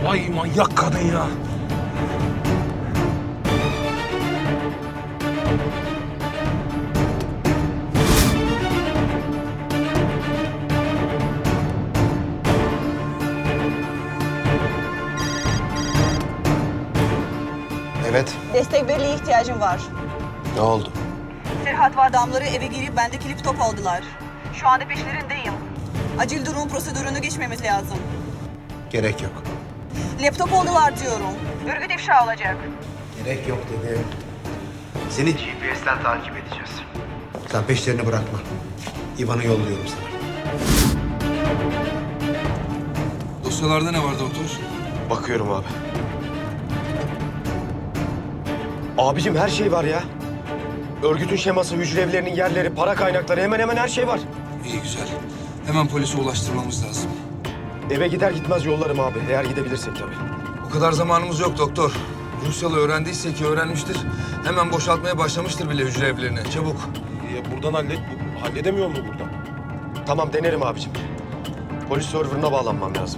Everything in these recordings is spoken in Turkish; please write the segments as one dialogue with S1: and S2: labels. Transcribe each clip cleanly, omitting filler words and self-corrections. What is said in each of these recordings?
S1: Vay manyak kadın ya.
S2: Evet.
S3: Destek birliğe ihtiyacım var.
S2: Ne oldu?
S3: Serhat ve adamları eve girip bendeki laptop aldılar. Şu anda peşlerindeyim. Acil durum prosedürünü geçmemiz lazım.
S2: Gerek yok.
S3: Laptop aldılar diyorum. Örgüt ifşa olacak.
S2: Gerek yok dedim. Seni GPS'ten takip edeceğiz. Sen peşlerini bırakma. İvan'ı yolluyorum sana.
S1: Dosyalarda ne var doktor?
S2: Bakıyorum abi. Abicim her şey var ya. Örgütün şeması, hücre evlerinin yerleri, para kaynakları hemen hemen her şey var.
S1: İyi güzel. Hemen polise ulaştırmamız lazım.
S2: Eve gider gitmez yollarım abi. Eğer gidebilirsek tabii.
S1: O kadar zamanımız yok doktor. Rusyalı öğrendiyse ki öğrenmiştir. Hemen boşaltmaya başlamıştır bile hücre evlerini. Çabuk.
S4: Buradan halledemiyor mu buradan?
S2: Tamam denerim abicim. Polis serverına bağlanmam lazım.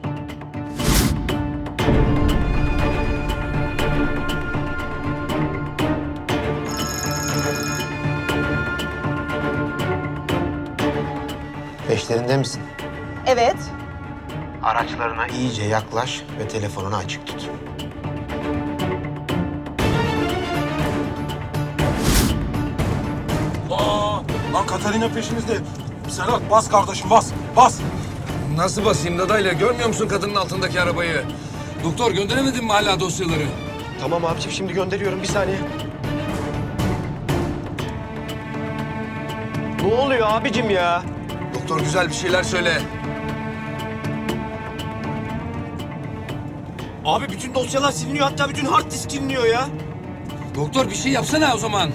S2: Peşlerinde misin?
S3: Evet.
S2: Araçlarına iyice yaklaş ve telefonunu açık tut.
S4: Lan Katarina peşimizde. Serhat bas kardeşim bas. Bas.
S1: Nasıl basayım dadayla? Görmüyor musun kadının altındaki arabayı? Doktor gönderemedin mi hala dosyaları?
S2: Tamam abicim şimdi gönderiyorum bir saniye. Ne oluyor abicim ya?
S1: Doktor güzel bir şeyler söyle.
S4: Abi bütün dosyalar siliniyor. Hatta bütün hard disk siliniyor ya.
S1: Doktor bir şey yapsana o zaman.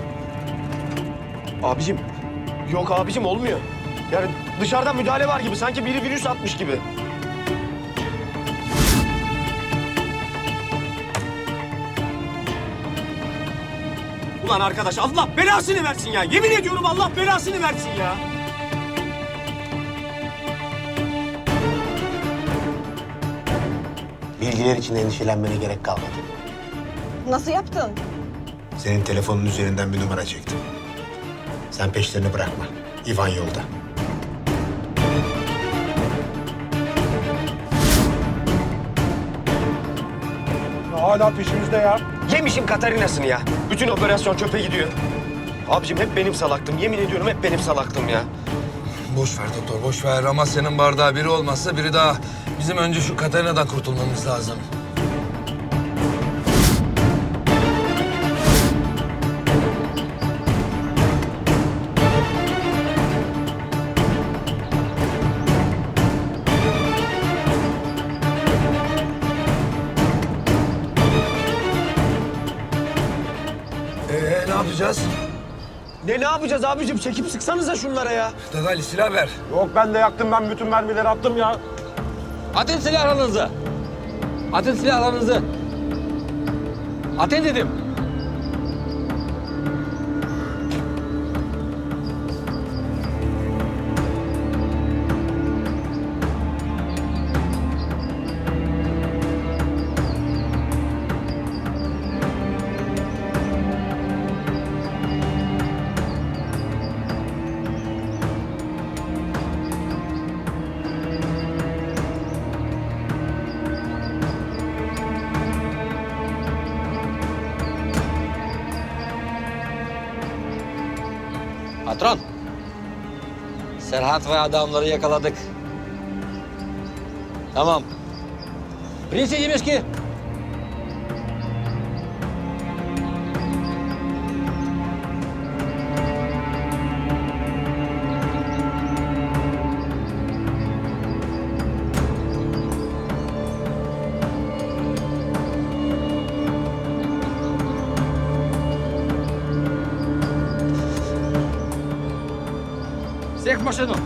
S2: Abicim yok abicim olmuyor. Yani dışarıdan müdahale var gibi. Sanki biri virüs atmış gibi.
S4: Ulan arkadaş Allah belasını versin ya. Yemin ediyorum Allah belasını versin ya.
S2: Bilgiler için endişelenmene gerek kalmadı.
S3: Nasıl yaptın?
S2: Senin telefonun üzerinden bir numara çektim. Sen peşlerini bırakma. İvan yolda.
S4: Hala peşimizde ya.
S2: Yemişim Katarina'sını ya. Bütün operasyon çöpe gidiyor. Abicim hep benim salaktım. Yemin ediyorum hep benim salaktım ya.
S1: Boş ver doktor, boş ver. Amasya'nın bardağı biri olmazsa biri daha. Bizim önce şu Katarina'dan kurtulmamız lazım. Ne yapacağız?
S2: Ne yapacağız abicim? Çekip sıksanıza şunlara ya.
S1: Dadaylı silah ver.
S4: Yok ben de yaktım, ben bütün mermileri attım ya.
S5: Atın silahlarınızı. Atın silahlarınızı. Atın dedim. Patron. Serhat ve adamları yakaladık. Tamam. Принесите мешки. Всех в машину.